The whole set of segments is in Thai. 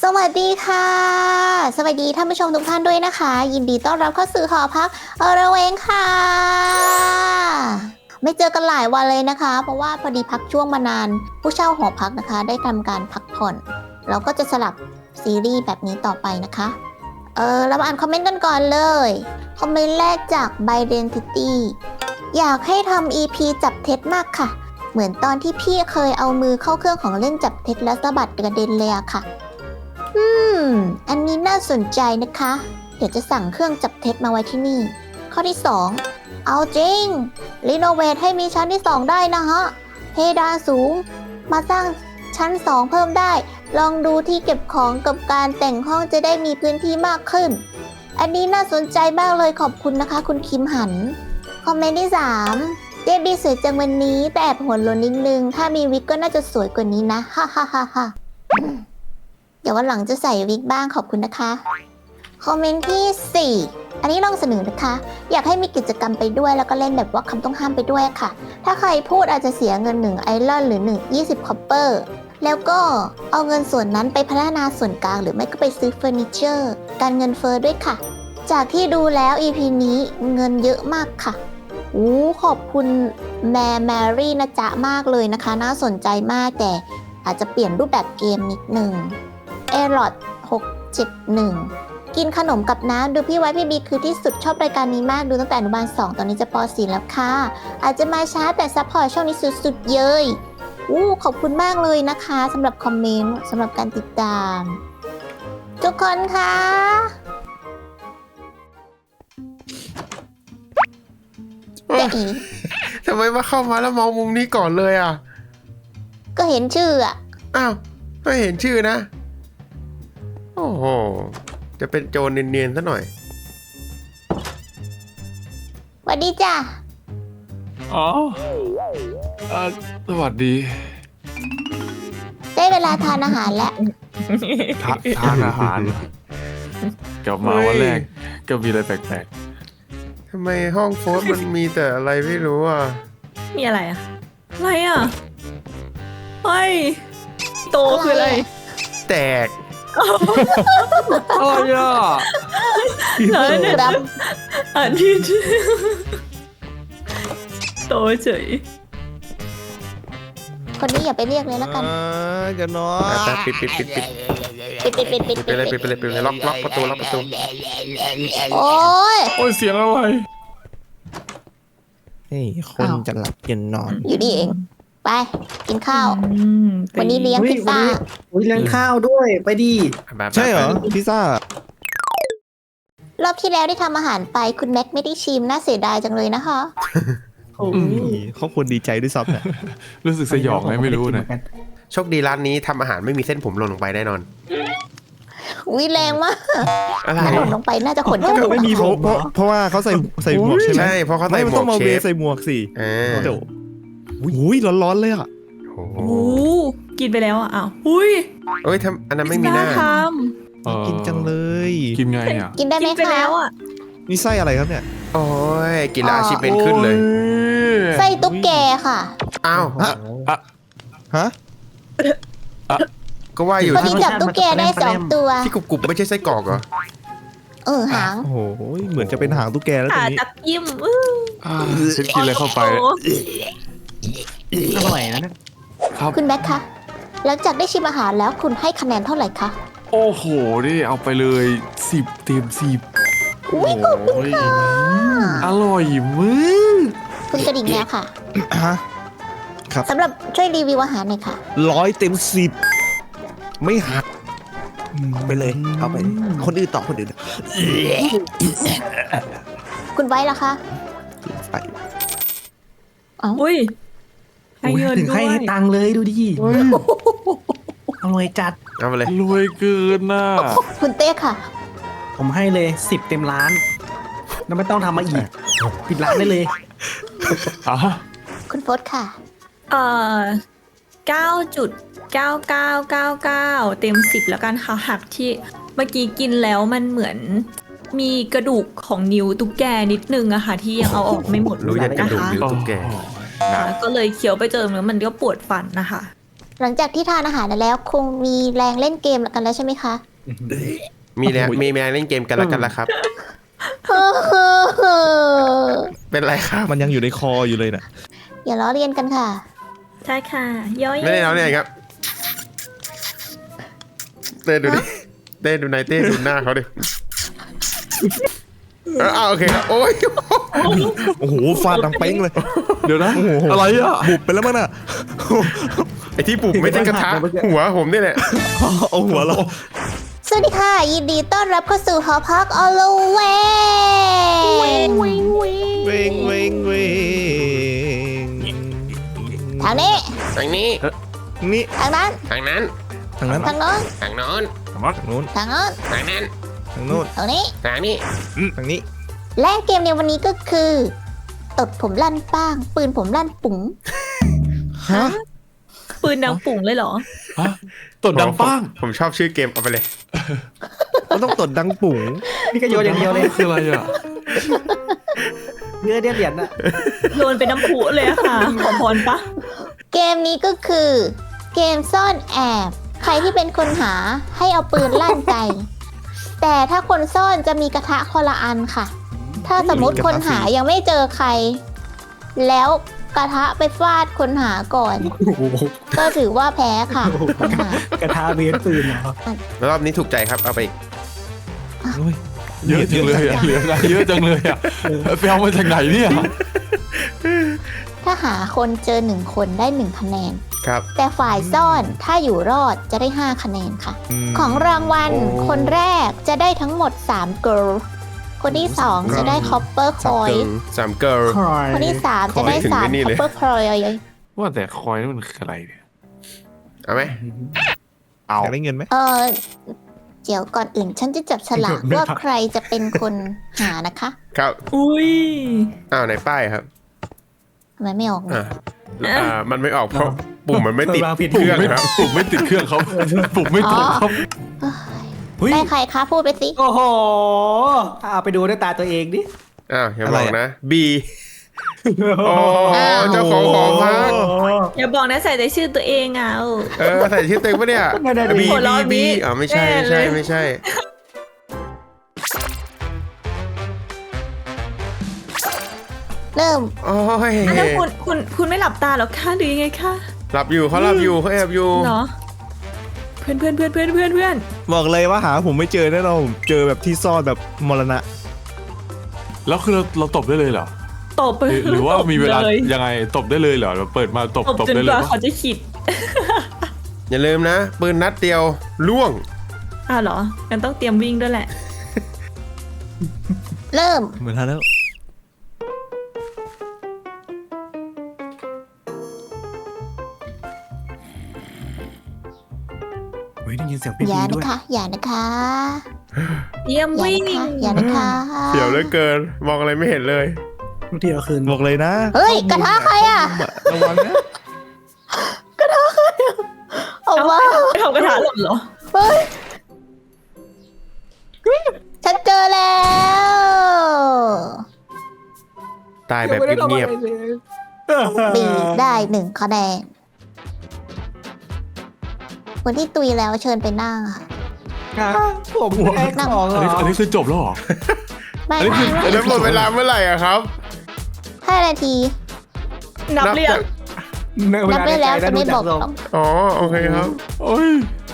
สวัสดีค่ะสวัสดีท่านผู้ชมทุกท่านด้วยนะคะยินดีต้อนรับเข้าสู่หอพักระเวงค่ะไม่เจอกันหลายวันเลยนะคะเพราะว่าพอดีพักช่วงมานานผู้เช่าหอพักนะคะได้ทำการพักผ่อนเราก็จะสลับซีรีส์แบบนี้ต่อไปนะคะเรามาอ่านคอมเมนต์กันก่อนเลยคอมเมนต์แรกจาก Bidentity อยากให้ทำ EP จับเท็จมากค่ะเหมือนตอนที่พี่เคยเอามือเข้าเครื่องของเล่นจับเท็จแล้วสะบัดกระเด็นเลยอะค่ะอันนี้น่าสนใจนะคะ เดี๋ยวจะสั่งเครื่องจับเท็จมาไว้ที่นี่ ข้อที่ 2 เอาจริง รีโนเวทให้มีชั้นที่ 2 ได้นะฮะ เพดานสูง มาสร้างชั้น 2 เพิ่มได้ ลองดูที่เก็บของกับการแต่งห้องจะได้มีพื้นที่มากขึ้น อันนี้น่าสนใจมากเลยขอบคุณนะคะ คุณคิมหัน คอมเมนต์ที่ 3 เจบีสวยจังวันนี้แต่แอบหัวโลนนิดนึง ถ้ามีวิกก็น่าจะสวยกว่านี้นะ ฮ่าฮ่าฮ่าฮ่าเดี๋ยววันหลังจะใส่วิกบ้างขอบคุณนะคะ คอมเมนต์ที่ 4 อันนี้ลองเสนอนะคะ อยากให้มีกิจกรรมไปด้วยแล้วก็เล่นแบบว่าคำต้องห้ามไปด้วยค่ะ ถ้าใครพูดอาจจะเสียเงิน1ไอรอนหรือ20คอปเปอร์แล้วก็เอาเงินส่วนนั้นไปพัฒนาส่วนกลางหรือไม่ก็ไปซื้อเฟอร์นิเจอร์การเงินเฟ้อด้วยค่ะ จากที่ดูแล้ว EP นี้เงินเยอะมากค่ะขอบคุณแมรี่นะจ๊ะมากเลยนะคะน่าสนใจมากแต่อาจจะเปลี่ยนรูปแบบเกมนิดหนึ่งเอรอด671กินขนมกับน้ำดูพี่ไว้พี่บีคือที่สุดชอบรายการนี้มากดูตั้งแต่อนุบาล2ตอนนี้จะป .4 แล้วค่ะอาจจะมาช้าแต่ซัพพอร์ตช่องนี้สุดๆเย้ยขอบคุณมากเลยนะคะสำหรับคอมเมนต์สำหรับการติดตามทุกคนคะจะอีทำไมมาเข้ามาแล้วมองมุมนี้ก่อนเลยอ่ะก็เห็นชื่ออ่ะอ้าว ไม่เห็นชื่อนะ โอ้โห จะเป็นโจรเนียนๆซะหน่อยสวัสดีจ้ะอ๋อสวัสดีได้เวลาทานอาหารแล้วทานอาหารกลับมาวันแรกก็มีอะไรแปลกทำไมห้องโฟสมันมีแต่อะไรไม่รู้อ่ะมีอะไรอะอะไรอะเฮ้ยโตคืออะไรแตกๆอะไรอ่ะเหรอเนี่ยครับอ่านผิดโตเฉยคนนี้อย่าไปเรียกเลยแล้วกันจะนอนไปปิดปิดปิดไปเลยล็อกประตูล็อกประตูโอ้ยโอ้ยเสียงอะไรเฮ้ยคนจะหลับจะนอนอยู่นี่เอง ไป กินข้าวตีวันนี้เลี้ยงพิซซ่าเลี้ยงข้าวด้วยไปดีใช่เหรอพิซซ่ารอบที่แล้วได้ทำอาหารไปคุณแม็กไม่ได้ชิมน่าเสียดายจังเลยนะคะเขาควรดีใจด้วยซ้ำเนี่ยรู้สึกสยองไงไม่รู้นะโชคดีร้านนี้ทำอาหารไม่มีเส้นผมหล่นลงไปแน่นอนอุ้ยแรงมากอะไรถ้าหล่นลงไปน่าจะขนจมูกไม่มีเพราะว่าเขาใส่หมวกใช่ไหมใช่ เพราะเขาไม่ใส่หมันมวต้องกมาเชเวฟใส่หมวกสิ เดี๋ยวอุ้ยร้อนๆเลยอ่ะโอ้โอ้โหกินไปแล้วอะอ้าวอุ้ยเอ้ยทำอันนั้นไม่มีหน้าพิซซ่ทกินจังเลยกินไงอ่ะกินได้ำไหมกินไปคะแล้วอะนี่ไส้อะไรครับเนี่ยโอ้ยกินแล้วอาชีพเป็นขึ้นเลยไส้ตุ๊กแกค่ะอ้าวฮะก็ว่าอยู่พอดีจับตุ๊กแกได้2 ตัวที่กรุบๆไม่ใช่ไส้กรอกเหรอหางโอ้โหเหมือนจะเป็นหางตุ๊กแกแล้วตรขางนี้จับยิ้มฉันกินอะไรเข้าไปโอ้อร่อยนะเนี่ยครับคุณแม็กคะหลังจากได้ชิมอาหารแล้วคุณให้คะแนนเท่าไหร่คะโอ้โหนี่เอาไปเลย10 เต็ม 10 อุ้ยขอบคุณค่ะอร่อยมึงคุณกระดิ่งแมวค่ะฮะ ครับสำหรับช่วยรีวิวอาหารหน่อยค่ะ 100 เต็ม 10 ไม่หักไปเลยเอาไป คนอื่นต่อคนอื่นคุณไว้ล่ะคะไปอุ้ยให้เงินถึงด้วให้ยตังค์เลยดูดิอร่อยจัดเอาไปเลยรวยเกินน่ะคุณเต้ค่ะผมให้เลย10 เต็มล้านแล้วไม่ต้องทำมาอีกปิดร้านได้เลยอ่ะคุณโฟสค่ะ 9.9999เต็ม10แล้วกันค่ะหักที่เมื่อกี้กินแล้วมันเหมือนมีกระดูกของนิ้วตุ๊กแกนิดนึงอะค่ะที่ยังเอาออกไม่หมดรู้ยันกระดูกนะคะนิ้วตุ๊กแกก็เลยเคี้ยวไปเจอแล้วมันก็ปวดฟันนะคะหลังจากที่ทานอาหารแล้วคงมีแรงเล่นเกมกันแล้วใช่ไหมคะมีแรงเล่นเกมกันแล้วกันละครับ เป็นไรครับมันยังอยู่ในคออยู่เลยน่ะอย่าล้อเลียนกันค่ะใช่ค่ะย่อยไม่ได้แล้วเนี่ยครับ เต้ดูดิเต้ดูนายเต้ดูหน้าเขาดิโอเคครับโอ้ยโอ้โหฟาดดังเป้งเลยเดี๋ยวนะโอ้โหอะไรอ่ะบุบไปแล้วมั้งน่ะไอที่ปลุกไม่ใช่กระทะหัวผมนี่แหละเอาหัวเราสวัสดีค่ะ ยินดีต้อนรับเข้าสู่หอพักออลเวงเวงเวงเวงทางนี้ทางนี้นี่ทางนั้นทางนั้นทางนั้นทางโน้นทางโน้นทางนู้นทางโน้นทางนั้นทางนู้นทางนี้ทางนี้ทางนี้และเกมในวันนี้ก็คือ ตดผมลั่นป้าง ปืนผมลั่นปุ๋งฮะปืนดังปุ่งเลยเหรอฮะตดดังป้างผมชอบชื่อเกมเอาไปเลยมันต้องตดดังปุ๋งนี่ก็โยนอย่างเดียวเลยคืออะไรอ่ะเนื้อเดียดเหรียญน่ะโยนเป็นน้ำผุเลยอะค่ะ ขอพรปะเกมนี้ก็คือ เกมซ่อนแอบ ใครที่เป็นคนหาให้เอาปืนลั่นไกแต่ถ้าคนซ่อนจะมีกระทะคนละอันค่ะ ถ้าสมมติคนหายังไม่เจอใคร แล้วกระทะไปฟาดคนหาก่อนโอ้โหก็ถือว่าแพ้ค่ะคนหากระทะเบียนปืนเหรอแล้วรอบนี้ถูกใจครับเอาไปอีกเยอะจังเลยอ่ะเหลืออะไรเยอะจังเลยอ่ะไปเอามาจากไหนเนี่ยถ้าหาคนเจอ1คนได้1คะแนนครับแต่ฝ่ายซ่อนถ้าอยู่รอดจะได้5คะแนนค่ะมของรางวัลโอ้คนแรกจะได้ทั้งหมด3 girl คนที่ 2 จะได้ copper สาม coin เกิร์ลคอยคนที่ 3 จะได้ถึงไอ้นี่ 3 เลย copper coin ว่าแต่คอยนี่มันคืออะไรเนี่ยเอาไหมเอาอยากได้เงินไหมเดี๋ยวก่อนอื่นฉันจะจับฉลากว่าใครจะเป็นคนหานะคะครับอุ้ยอ้าวไหนป้ายครับทำไมไม่ออกเนี่ยมันไม่ออกเพราะปุ่มมันไม่ติดวางผิดเครื่องไม่ครับปุ่มไม่ติดเครื่องเขาปุ่มไม่ตรงครับเฮ้ยได้ใครคะพูดไปสิโอ้โหเอาไปดูด้วยตาตัวเองดิอ้าวอย่าบอกนะ B โอ้เจ้าของหอพักอย่าบอกนะใส่แต่ชื่อตัวเองอ่ะใส่ชื่อเต็มปะเนี่ย B หัวเราะ B นี้อ๋อไม่ใช่ไม่ใช่ไม่ใช่เริ่มโอ้ยแล้วคุณไม่หลับตาหรอคะหรือยังไงคะหลับอยู่เขาหลับอยู่เขาแอบอยู่เนาะเพื่อนบอกเลยว่าหาผมไม่เจอแน่นอนผมเจอแบบที่ซ่อนแบบมรณะแล้วคือเราตบได้เลยเหรอตบไปหรือว่ามีเวลาเลยยังไงตบได้เลยเหรอเราเปิดมาตบตบจนได้กเลยว่าปะเขาจะขิดอย่าลืมนะ ปืนนัดเดียวล่วงอ้าวเหรองั้นต้องเตรียมวิ่งด้วยแหละเริ่มเหมือนทันแล้วเฮ้ยได้ยินเสียงพี่อย่าด้นะวยคะ อย่านะคะเยี่ยมอย่าวิ่งนะคะ อย่านะคะเดี๋ยวเหลือเกิน มองอะไรไม่เห็นเลยทุกทีเอาคืนบอกเลยนะเฮ้ย กระทะใครอ่ะระวังนะออกมาไม่ทำกระถาหล่นเหรอเฮ้ย ฉันเจอแล้วตายแบบเงียบบีได้1คะแนนคนที่ตุยแล้วเชิญไปนั่งค่ะผมแค่ของเหรอันนี้คือจบแล้วเหรอไม่อันนี้คือๆแล้วหมดเวลาเมื่อไหร่อะครับ 5 นาทีนับเรียงนับได้แล้วจะไม่บอกหรอกอ๋อโอเคครับโอ้ย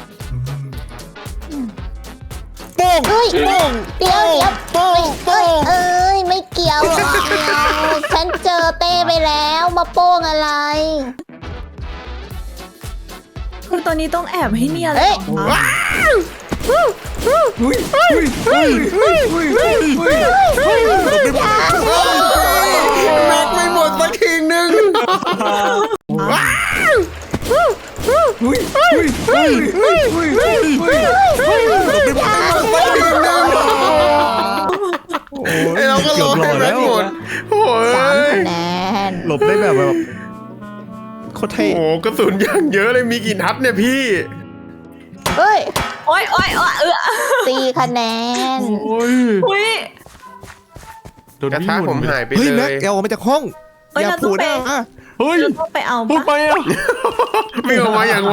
เฮ้ยเดี๋ยวเอ้ยไม่เกี่ยวหรอกฉันเจอเต้ไปแล้วมาโป้งอะไรคือตอนนี้ต้องแอบให้เนียนเลเฮ้ยยเหรอคะแม็กไม่หมดสักทีนึง ไอเราก็รอให้แม็กหมดโอ้ 3 ยคะแนนหลบได้แบบโคตรเท่โอ้กระสุนอย่างเยอะเลยมีกี่นัดเนี่ยพี่เฮ้ยโอ๊ย 4 คะแนนโอ้ยอุ้ยโดนกระวิ่ทะงหผมนหายไปเฮ้ยเลแม็กยเอาออกมาจากห้องเอ้ยอย่าเราต้ผูองดไปนะเฮ้ยเราต้องไปเอาพูดไปปะอ่ะวิ่งออกมาอย่างไว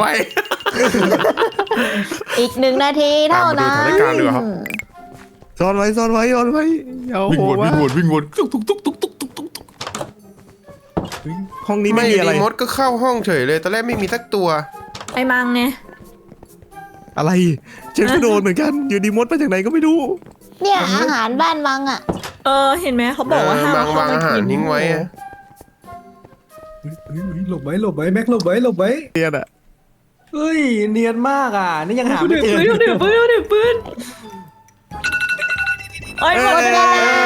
อีก1 นาทีเท่านั้นตามมาดูสถานการณ์ดีกว่าครับซ่อนไว้ซ่อนไว้ซ่อนไว้อย่าเอาวิ่งโผวล่นมาวิ่งวนตุ๊กตุ๊กตุ๊กตุ๊กตุ๊กตุ๊กตุ๊กห้องนี้ไม่มีอะไรมดก็เข้าห้องเฉยเลยตอนแรกไม่มีสักตัวไอ้มังไงอะไรฉันก็โดนเหมือนกันอยู่ดีมดมาจากไหนก็ไม่รู้เนี่ยอาหารบ้านมังอ่ะเห็นไหมเขาบอกว่าห้ามวางอาหารทิ้งไว้อะหลบไว้หลบไว้แม็กหลบไว้หลบไว้เนียนอะเฮ้ยเนียนมากอ่ะนี่ยังหาไม่เดี๋ยวเจอปืนเดี๋ยวปืนเดี๋ยวปืนไอ้ยหมดเวลา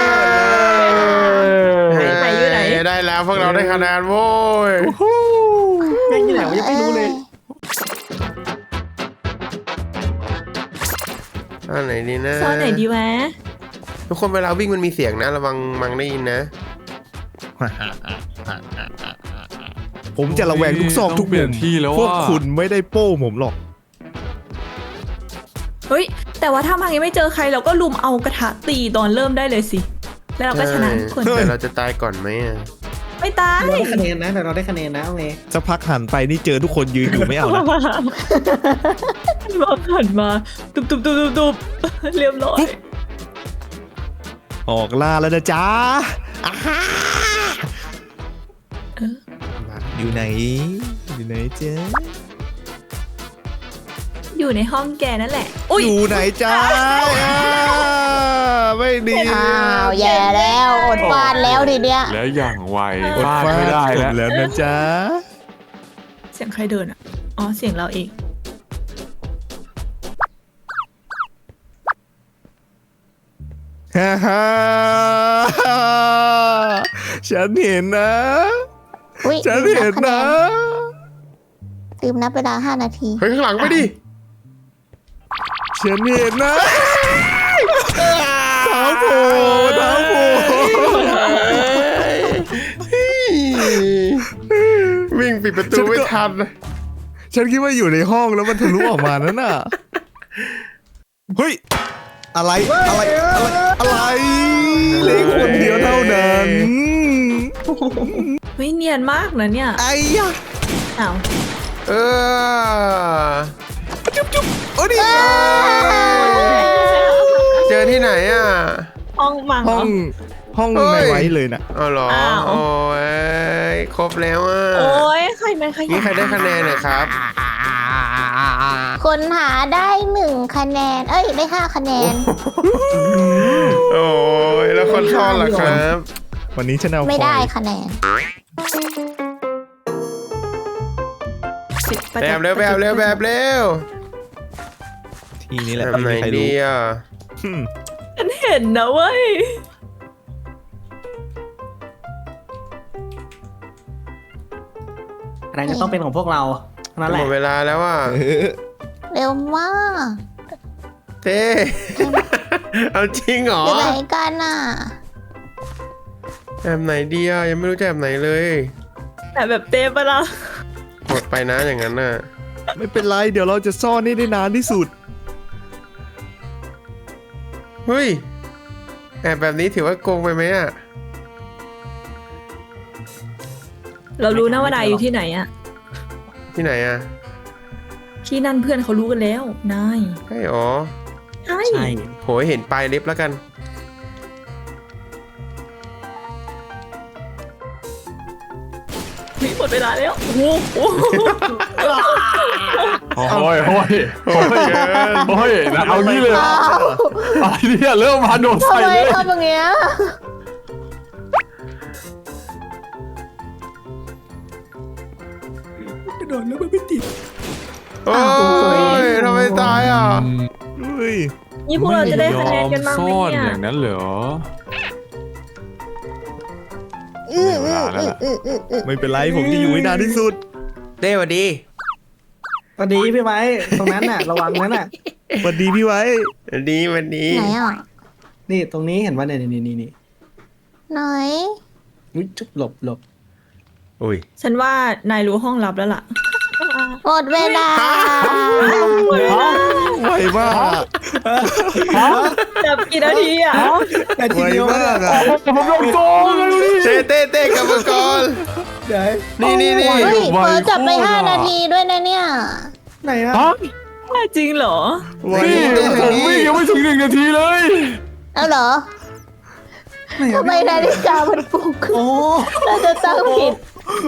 ไหนอยู่ไหนได้แล้วพวกเราได้คะแนนโว้ยแม่งที่ไหนวะยังไม่รู้เลยอันไหนดีนะซ่อนไหนดีวะทุกคนเวลาวิ่งมันมีเสียงนะระวังมังได้ยินนะผมจะระแวงทุกซอกทุกเปลี่มุยนมที่แล้วพวกว่าคุณไม่ได้โป้ผมหรอกเฮ้ยแต่ว่าถ้ามังยังไม่เจอใครเราก็ลุมเอากระทะตีตอนเริ่มได้เลยสิ แล้วเราก็ชนะทุกคนแต่เราจะตายก่อนไหมอะไม่ตายเราได้คะแนนนะแต่เราได้คะแนนนะโอเคสักพักหันไปนี่เจอทุกคนยืนอยู่ไม่เอานะมาผ่านมาตุบตุบตุบตุบตุบเรียบร้อยออกล่าแล้วนะจ๊ะอ่าฮะอยู่ไหนอยู่ไหนเจ๊อยู่ในห้องแกนั่นแหละอุ้ยอยู่ไหนจ๊ะอ่าไม่ดีอ้าวแย่แล้วอดฟาดแล้วทีเนี้ยแล้วอย่างไวอดพลาดฟาไม่ได้จแล้วบแล้วนะจ๊ะเสียงใครเดินอ่ะอ๋อเสียงเราเองฮ่าฮ่าฉันเห็นนะอุ๊ยฉันเห็นนะลืมนับเวลา 5 นาทีเฮ้ยข้างหลังไปดิฉันเห็นนะเท้าโผล่เท้าโผล่วิ่งปิดประตูไม่ทันฉันคิดว่าอยู่ในห้องแล้วมันทะลุออกมานั่นน่ะ เฮ้ย อะไรเหล็กคนเดียวเท่านั้นเฮ้ยเนียนมากนะเนี่ยไอ้ยะอ้าวเออโอ้ดิเจอที่ไหนอ่ะห้องมังเหรห้อองเฮ้ยในไว้เลยน่ะอ๋อเหรออ้าวโอ้ยครบแล้วอ่ะโอ้ยใครมันขยันี่ใครได้คะแนนนะครับคนหาได้ 1 คะแนน เอ้ย ได้ 5 คะแนนโอ้ยแล้วคนซ่อนล่ะครับวันนี้ฉันเอาไม่ได้คอยคะแนนแบบเร็วแบบเร็วแบบเร็วทีนี้แหละแบบไหนไม่มีใครดีรู้อ่ะฉันเห็นนะเว้ยอะไรจะต้องเป็นของพวกเรานั่นแหหมละดเวลาแล้วอ่ะเร็วมากเต้เอาจริงเหรออยู่ไหนกันน่ะแบบไหนดีอ่ะยังไม่รู้จะแบบไหนเลยแต่แบบเต็มไปละหมดไปนะอย่างนั้นน่ะไม่เป็นไร เดี๋ยวเราจะซ่อนให้ได้นานที่สุดเฮ้ยแอบแบบนี้ถือว่าโกงไปไหมอ่ะเรารู้นะว่านายอยู่ที่ไหนอะที่ไหนอ่ะที่นั่นเพื่อนเขารู้กันแล้วนายใช่หรอใช่ใช่โหยเห็นปลายเล็บแล้วกันหมดเวลาแล้วโอ้โหโอ้ยโอ้ยโอ้ยโอ้ยนะเอางี้เลยอ้าวอะไรเนี่ยเริ่มมาโดนทำใส่ไมเลยทำอย่างเงี้ยกระโดดแล้วมันไม่ติดโอ้ยทำไมตายอ่ะเฮ้ยนี่พวกเราจะได้คะแนนกันบ้างไหมซ่อนเนี่ยอย่างนั้นเหรอเวลาแล้วล่ะไม่เป็นไร ผมจะอยู่ให้นานที่สุดเต้สวัสดีตอนนี้พี่ไม้ตรงนั้นน่ะ ระวังนั้นน่ะสวัสดีพี่ไว้สวัสดีสวัสดีไหนอ่ะนี่ตรงนี้เห็นว่าเนี่ยนี่ไหนอุ๊ยจุ๊บหลบอุ้ยฉันว่านายรู้ห้องลับแล้วล่ะหมดเวลาไวมากจับกี่นาทีอ่ะแต่ทีไวเดียวมากอ่ะผมโดนโกงเลยดูดิเต้กลับมาก่อนไหนนี่เฮ้ยไวเปิดจับไปโคตรอะ 5 นาทีด้วยนะเนี่ยไหนอะฮะจริงเหรอไว้พี่ผมวิ่งยังไม่ถึง1 นาทีเลยเอาเหรอไหนอะทำไมนาฬิกามันปลุกโอ้เราจะตั้งผิด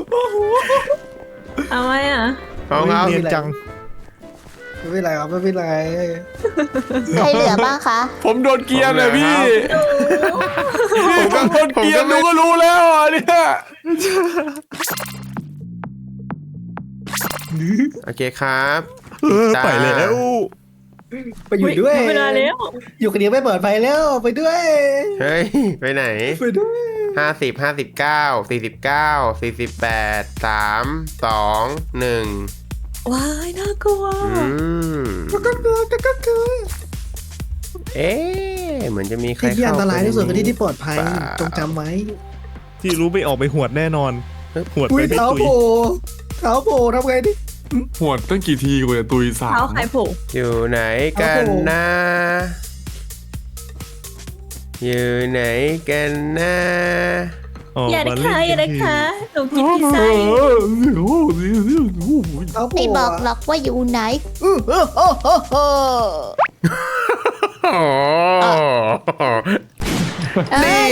เอาไว้อ่ะเอาครับเนียนจังไม่เป็นไรครับไม่เป็นไรใครเหลือบ้างคะผมโดนเกียร์เลยพี่ผมก็โดนเกียร์ดูก็รู้แล้วอ่ะเนี่ยโอเคครับไปแล้วไปอยู่ด้วยเวลาแล้วอยู่คนเดียวไม่เปิดไฟแล้วไปด้วยเฮ้ย ไปไหนไปด้วย 50 59 49 48 3 2 1 ว้ายน่ากลัวก็คือเอ๊ะเหมือนจะมีใครที่ที่อันตรายที่สุดคือที่เข้าไปที่ปลอดภัยเปล่าจงจำไว้ที่รู้ไม่ออกไปหวดแน่นอน หวดอุ้ไปยไม่เท้าตุยโผล่เท้าโผล่ทำไงดิหวดตั้งกี่ทีกูจะตุยสามเท้าใครโผล่อยู่ไหนกันนะ อยู่ไหนกันนะอย่านะคะอย่านะคะหนูกินพิซเอซ่าอยู่เท้าโผล่ไม่บอกหรอกว่าอยู่ไหนอ๋อนี่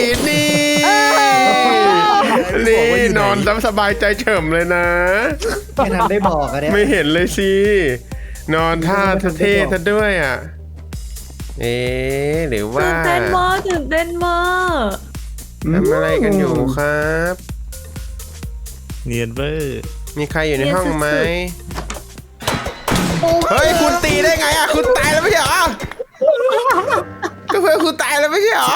นอนสบายใจเฉิมเลยนะไม่ทันได้บอกอะเนี่ยไม่เห็นเลยสิ นอนท่าเท่ๆซะด้วยอ่ะ เอ๊ะหรือว่าตื่นเต้นมากตื่นเต้นมากทำอะไรกันอยู่ครับเนียนเวอร์มีใครอยู่ในห้องไหม เฮ้ย คุณตีได้ไงอ่ะ คุณตายแล้วไม่ใช่เหรอ ก็เพื่อนคุณตายแล้วไม่ใช่เหรอ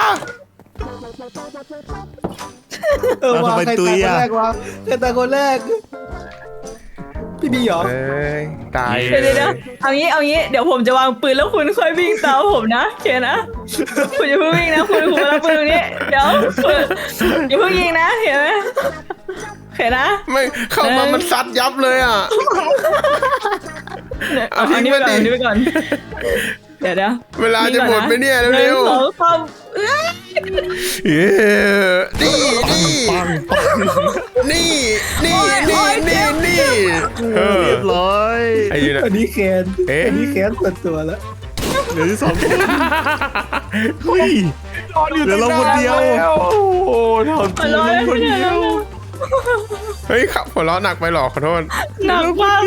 วางใครตายคนแรกวะใครตายคนแรกพี่บีเหรอเอ้ย ตายเดี๋ยวเอางี้เดี๋ยวผมจะวางปืนแล้วคุณค่อยวิ่งตามผมนะโอเคนะคุณอย่าเพิ่งวิ่งนะคุณมารับปืนตรงนี้เดี๋ยวคุณอย่าเพิ่งยิงนะเห็นไหมโอเคนะไม่เข้ามามันซัดยับเลยอ่ะ เอาทิ้งนี้ไว้ไปก่อนดิอันนี้ไปก่อนเดี๋ยวเวลาจะหมดไปเนี่ยหนึ่เร็งวสองสามๆเย้นี่ปังปังนี่เออเรียบร้อยไอ้ยูนะอันนี้แคนเอ๊ะอันนี้แคนส่วนตัวแล้วเหลือที่2 คนเฮ้ย เหลือเราคนเดียวโอ้ทำจริงร้อยคนเดียวเฮ้ยขับหัวเราะหนักไปหรอขอโทษหนักมาก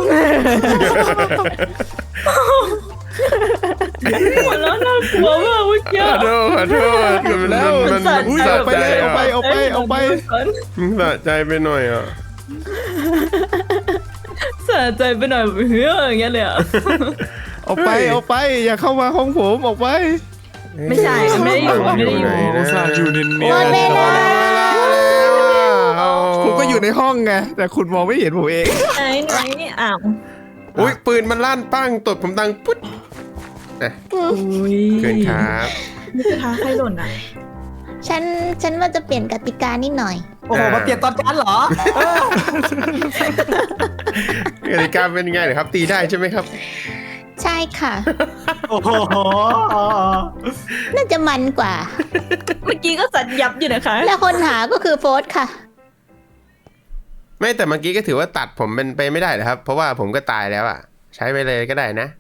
หัวเราะน่ากลัวมากเมื่อกี้ขอโทษมันอุ้ยสะเอาไปใจเลยเอาไปอ่ะเอาไปเอาไปมันสะใจไปหน่อยอ่ะสะใจไปหน่อยเฮ้ยอย่างเงี้ยเลยอ่ะเอาไปเอาไป อย่าเข้ามาห้องผมออกไปไม่ใช่ไม่ได้อยู่ไม่ได้อยู่โอ้ซาอยู่เนียนหมดเวลาผมก็อยู่ในห้องไง แต่คุณมองไม่เห็นผมเองไหนอ้าวอุ้ยปืนมันลั่นปั้งตดผมดังปุ๊ดอ่ะอุ้ยเกินครับนี่คือท้าใครหล่นอ่ะฉันว่าจะเปลี่ยนกติกานิดหน่อยโอ้โหมาเปลี่ยนตอนจันเหรอกติกาเป็นไงเหรอครับ ตีได้ใช่ไหมครับใช่ค่ะโอ้โหน่าจะมันกว่าเมื่อกี้ก็สัตยับอยู่นะคะและคนหาก็คือโฟสค่ะไม่แต่เมื่อกี้ก็ถือว่าตัดผมเป็นไปไม่ได้เหรอครับ เพราะว่าผมก็ตายแล้วอ่ะ ใช้ไปเลยก็ได้นะ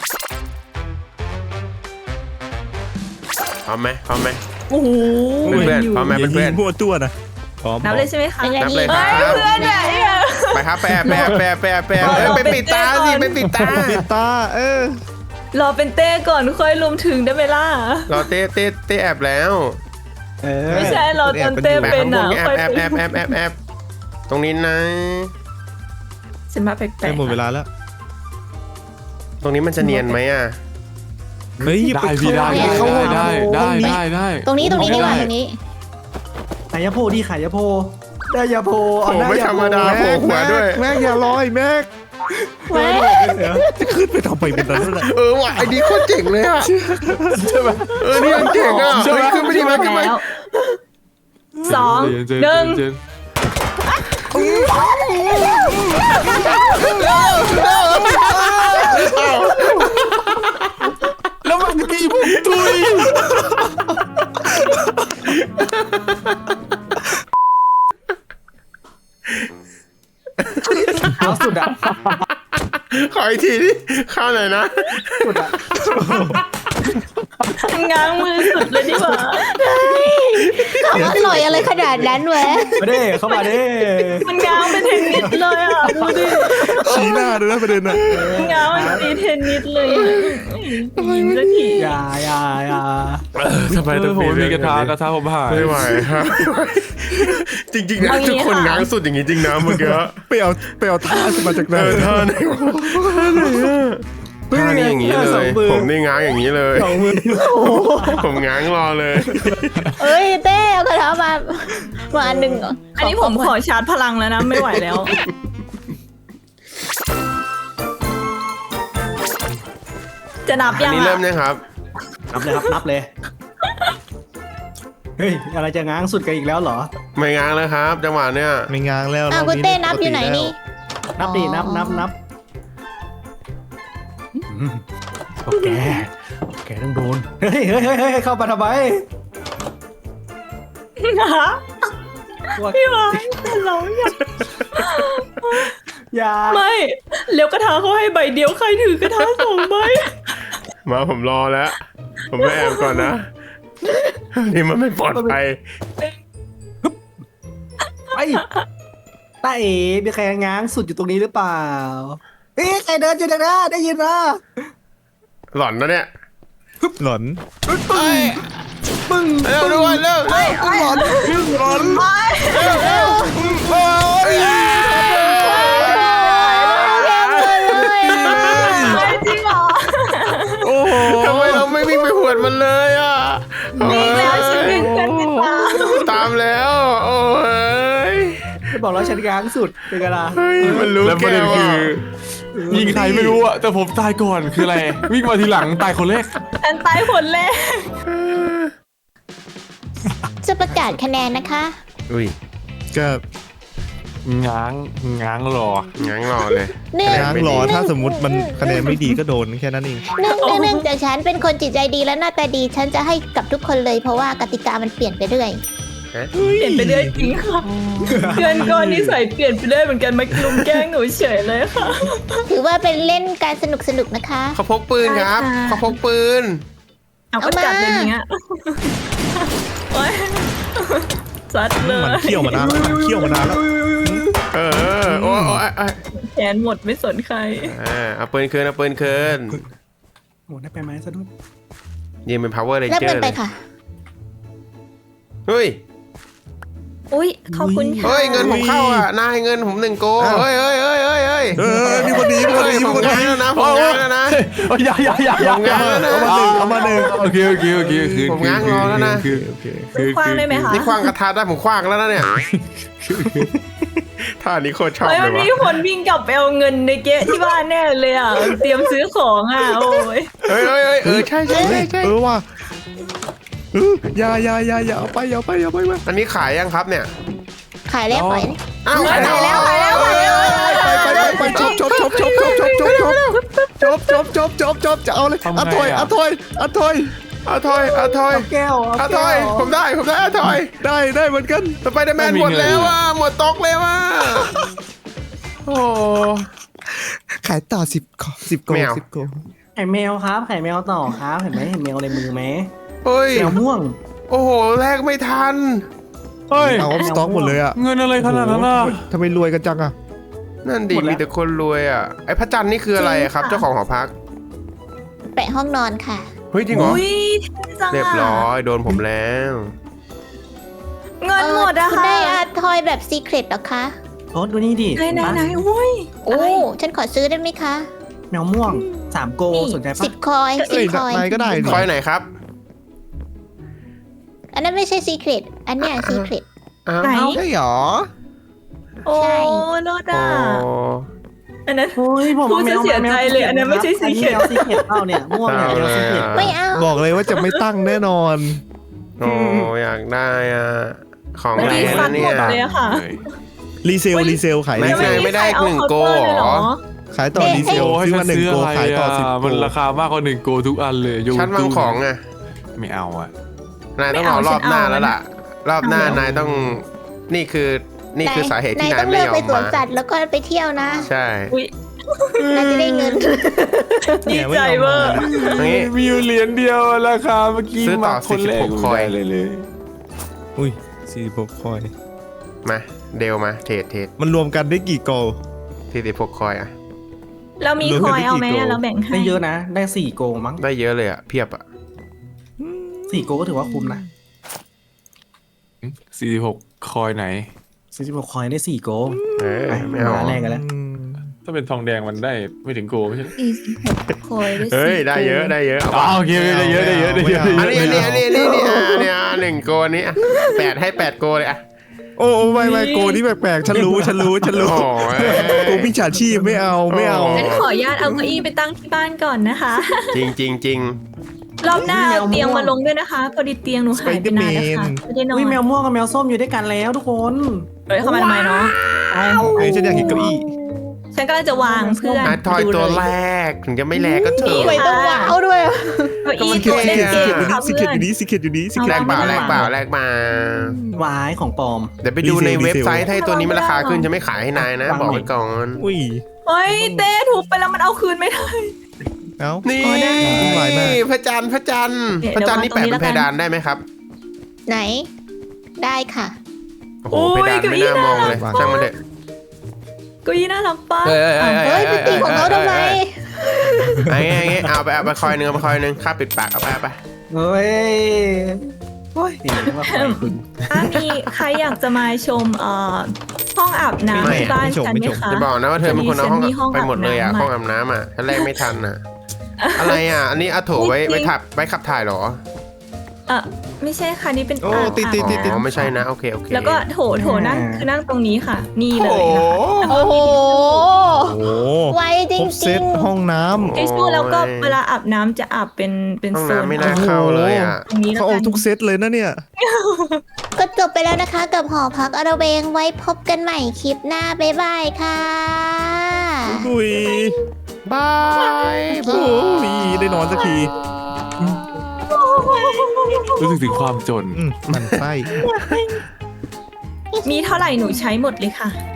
พร้อมไหมโอ้โหเพื่อนๆพร้อมไหมอย่าเพื่อนยิงมั่วตัวนะพร้อมนับเลยใช่ไหมคะเป็นไงนับเลยคเฮ้รับยเพื่อนเนี่ยไปครับไปไปปิดตาสิไปปิดตาปิดตารอเป็นเต้ก่อนค่อยรวมถึงได้ไหมล่ะรอเต้แอบแล้วไม่ใช่เราตอนเต้แอบเป็นข้างบอ่ะนค่อยแอบตรงนี้นะฉันมาแปลใกล้กหมดเวลาแล้วตรงนี้มันจะเนียนไหมอ่ะเฮ้ยอย่าได้ไปพี่ได้เข้าได้ตรงนี้ดีกว่าตรงนี้ขายาโพดีขายาโพได้ยาโพโอ้ไม่ธรรมดา โผล่หัวด้วยแม็กอย่าลอยแม็กแหมจะขึ้นไปทำไมบนนั้นน่ะว่ะไอ้นี่โคตรเจ๋งเลยอ่ะใช่ไหมนี่มันเจ๋งอ่ะเฮ้ยขึ้นไปดีมาขึ้นไปแล้วสองเจนหนึ่งเจนแล้วมันตีผมตุยดอ่ะขออีกทีดิเข้าหน่อยนะสุดอ่ะง้างมือสุดเลยดีกว่าอร่อยอะไรขนาดนั้นวะมาเด้เข้ามาเด้มันง้างเป็นเทนนิสเลยอ่ะดูดิชี้หน้าด้วยนะประเด็นน่ะง้างมันตีเทนนิสเลยอะยิ้มสักทีอย่าทำไมต้องผมมีกระทะผมหายไม่ไหวฮะจริงๆนะทุกคนง้างสุดอย่างนี้จริงนะเมื่อกี้ไปเอาท่าขึ้นมาจากไหนท่าไหนวะท่านี้อย่างนี้เลยผมนี่ง้างอย่างนี้เลยสองมือผมง้างรอเลยเอ้ยเต้เอากระทะมาอันหนึ่งเหรออันนี้ผมขอชาร์จพลังแล้วนะไม่ไหวแล้ว จะนับอันยังนี้เริ่มอ่ะยังครับนับเลยครับนับเลยเฮ้ยอะไรจะง้างสุดกันอีกแล้วเหรอไม่ง้างแล้วครับ จังหวะเนี้ยไม่ง้างแล้วอ้าวคุณเต้นับอยู่ไหนนี่นับดินับโอเคต้องโดนเฮ้ยเข้ามาทำไมพี่วายเราอย่าไม่เลี้ยวกระทะเขาให้ใบเดียวใครถือกระทะสองใบมาผมรอแล้ว ผมไม่แอบก่อนนะ นี่มันไม่ปลอดภัยไปตาเอ๋มีใครง้างสุดอยู่ตรงนี้หรือเปล่าเฮ้ยใครเดินอยู่ตรงนั้นได้ยินมาหล่อนนะเนี่ยหลอนปึ้งเร็วด้วยเร็วเร็วหลอนหลอนไม่จริงเหรอโอ้โหทำไมเราไม่วิ่งไปหวดมันเลยอ่ะวิ่งแล้วฉันวิ่งกันติดตามตามแล้ว โอ้ยบอกแล้วฉันง้างสุดเป็นไงล่ะเฮ้ยมันรู้แล้วประแก้เด็นวคืออ่ะยิงใครไม่รู้อะแต่ผมตายก่อนคืออะไร วิ่งมาทีหลังตายคนแรกฉันตายผลแรกจะประกาศคะแนนนะคะอุ้ยก็ง้างรองั้งรอเลยหนึ่งง้างรอถ้าสมมติมันคะแนนไม่ดีก็โดนแค่นั้นเองเนื่องจากฉันเป็นคนจิตใจดีและหน้าตาดี ฉันจะให้กับทุกคนเลยเพราะว่ากติกามันเปลี่ยนไปเรื่อยเปลี่ยนไปเรื่อยจริงค่ะเพื่อนก็นิสัยเปลี่ยนไปเรื่อยเหมือนกันมาลุมแกล้งหนูเฉยเลยค่ะถือว่าเป็นเล่นการสนุกนะคะเขาพกปืนครับใช่ค่ะเขาพกปืนเอาก็จัดเป็นอย่างเงี้ยโอ๊ยซัดเลยมันเคี่ยวมานานแล้วมันเคี่ยวมานานแล้วเออโอ้ยแขนหมดไม่สนใครเอาปืนคืนเอาปืนคืนโอ้ได้ไปไหมสะดุดยิงเป็น power รับ ranger เงินเลไปยค่ะเฮ้ยอุ้ยขอบคุณค่ะเฮ้ยเงินผมเข้าอ่ะนายเงินผม1 โกเฮ้ยมีคนดีมีคนดีมีผมคนดีง้างแล้วนะผมง้างแล้วนะอย่าผมง้างแล้วนะเอามาหนึ่งโอเคคืนผมง้างรอแล้วนะคืนคว้างได้ไหมคะนี่คว้างกระทะได้ผมคว้างแล้วนะเนี่ยท่านี้โคตรชอบเฮ้ยเลมัยนว่ะมีคนวิ่งกลับไปเอาเงินในเก๊ะที่บ้านแน่เลยอ่ะ เตรียมซื้อของอ่ะ โอ้ยเฮ้ยใช่ว่ะอย่าเอาไปมาอันนี้ขายยังครับเนี่ยขายแล้วปล่อยอ้าวขายแล้วไปจบจะเอาเลยอะถอยเอาถอยแก้วเอาถอยผมได้เอาถอยได้เหมือนกันสไปเดอร์แมนหมดแล้วอ่ะหมดตกแล้วอ่ะโอ้ขายต่อ10 โกแมว 10 โกไข่แมวครับไข่แมวต่อครับเห็นไหมเห็นแมวในมือไหมเฮ้ยแมวม่วงโอ้โหแลกไม่ทันเฮ้ยเอาสต็อกหมดเลยอ่ะเงินอะไรขนาดนั้นอ่ะทำไมรวยกันจังอ่ะนั่นดีหมดแล้วมีแต่คนรวยอ่ะไอ้พระจันทร์นี่คืออะไรอะครับจริงค่ะเจ้าของหอพักแปะห้องนอนค่ะเฮ้ยจริงเหรออุ้ยเท่จังเรียบอ่ะร้อยโดนผมแล้วเงินหมดอะคุณค่ะได้อาทอยแบบซีเครตเหรอคะโอ้ดูนี่ดิไหนอุ้ยโอ้ฉันขอซื้อได้ไหมคะแมวม่วง3 โกสนใจปะ 10 คอยเอ้ย 10 คอยนายก็ได้คอยไหนครับอันนั้นไม่ใช่ซีเครตอันเนี้ยซีเครตอ้าวไหนใช่หรอโอ้ใช่โลดโอ้อ่ะอันนั้นโอ้ยผมพูดจะเสียใจเลยอันนั้นไม่ใช่สีเขียวแมวสีเขียวเปล่าเนี่ยม่วงเนี่ยแมวสีเขียวไม่เอาบอกเลยว่าจะไม่ตั้งแน่นอนโอ้อยากได้อ่ะของเมื่อแรกี้งฟันะนเนี่หมยดเลยอะค่ะรีเซลขายไม่รีเซใช่ลไม่ได้เอา 1 โกเคาน์เตอร์เลยเหรอขายต่อรีเซลโอ้ให้ซื้อฉัมาน 1 ซื้อโกอะไรขายต่ออ่ะ 10 โกมันราคามากกว่า1 โกทุกอันเลยโยชั้นวางของอ่ะไม่เอาอ่ะนายต้องรอรอบหน้าแล้วล่ะ รอบหน้านายต้องนี่คือนี่คือสาเหตุที่นายนายต้องไม่เลือกยอไปมสวนมาสัตว์แล้วก็ไปเที่ยวนะใช่นายจะได้เงินดีใจเวอร์นี่มีอยู่เหรียญเดียวราคาเมื่อกี้ซื้อต่อมาคนแรก 46คอยไม่ได้เลยอุ้ย46คอยมาเดลมาเทรดมันรวมกันได้กี่โกล 46คอยอะเรามีคอยเอาไหมอะเราแบ่งให้ได้เยอะนะ ได้4 โกลมั้งได้เยอะเลยอะเพียบอะ 4 โกลก็ถือว่าคุ้มนะ 46คอยไหน 46คอยได้4 โกล ไปไม่เอามาแรกกันแล้วถ้าเป็นทองแดงมันได้ไม่ถึงโกไม่ใช่คอยได้เฮ้ย 4 ได้เยอะได้เยอะเอาอ๋อปะโอเคได้เยอะได้เยอะได้เยอะอันนี้เนี่ย1 โกนี้อะ8ให้ 8 โกเลยอะโอ้ไม่โกลนี่แปลกๆฉันรู้โอ้ยโกลมิจฉาชีพไม่เอางั้นขออนุญาตเอาเก้าอี้ไปตั้งที่บ้านก่อนนะคะจริงรอบหน้าเอาเตียงมาลงด้วยนะคะพอดีเตียงหนูหายไปนานแล้วค่ะไม่ได้นอนอุ้ยแมวม่วงกับแมวส้มอยู่ด้วยกันแล้วทุกคนเฮ้ยเข้ามาทำไมเนาะเฮ้ยฉันอยากเห็นเก้าอี้ฉันก็จะวางเพื่อนๆทอยดูตัวเลยแรกถึงจะไม่แลก็เถทำไมอะต้องว้าวด้วยอะเก้าอี้มันตัวเล็กสิๆเกตอยู่ค่ะนี่สิเพื่เกอตนอยู่นี่สิเกตอยู่นี่สิเกตแลกเปล่าไม่แลได้กเปล่าแลกมาวายของปลอมเดี๋ยวไปดูในเว็บไซต์ถ้าตัวนี้มันราคาขึ้นจะไม่ขายให้นายนะ บอกไว้ก่อนอุ้ยเฮ้ยเต้ถูกไปแล้วมันเอาคืนไม่ได้เอ้านี่อ๋อได้พระจันทร์พระจันทร์นี่เดี๋ยวแปะวางตรงนี้เป็นเพดานได้ไหมครับไหน ได้ค่ะโอ้โหเพดานไม่น่ามองเลยช่างมันเถอะเก้าอี้น่ารักปะเฮ้ยเฮ้ยไปตีของเขาทำไมไอ้เอาไปคอยหนึ่งเอาไปคอยหนึ่งค่าปิดปากเอาไปเฮ้ยโอ้ยนี่เรียกว่าคอยคุณถ้ามีใครอยากจะมาชมห้องอาบน้ำที่บ้านฉันไหมคะจะบอกนะว่าเธอเป็นคนเอาห้องฉันมีห้องไปหมดเลยอ่ะอาบน้ำห้องอาบน้ำอ่ะฉันแรกไม่ทันอ่ะ อะไรอ่ะ อันนี้เอาโถไว้ขับถ่ายเหรอไม่ใช่ค่ะนี่เป็นโอ้อ่างติดอ๋อไม่ใช่นะโอเคแล้วก็โถนั่งคือนั่งตรงนี้ค่ะ นี่เลยโอ้นะคะโอ้โหโอ้ไวจครบเซริตงห้องน้ไอชูแล้วก็เวลาอาบน้ำจะอาบเป็นห้องโซนน้ำไม่น่าเข้าเลยอ่ะตรงนี้ำแล้เขาวเอากันทุกเซตเลยนะเนี่ยๆ ก็จบไปแล้วนะคะ กับหอพักอระเวงไว้พบกันใหม่คลิปหน้า บ๊ายบายค่ะอุ้ยบายโอ้ยได้นอนสักทีรู้สึกถึงความจนมันไส้มีเท่าไหร่หนูใช้หมดเลยค่ะ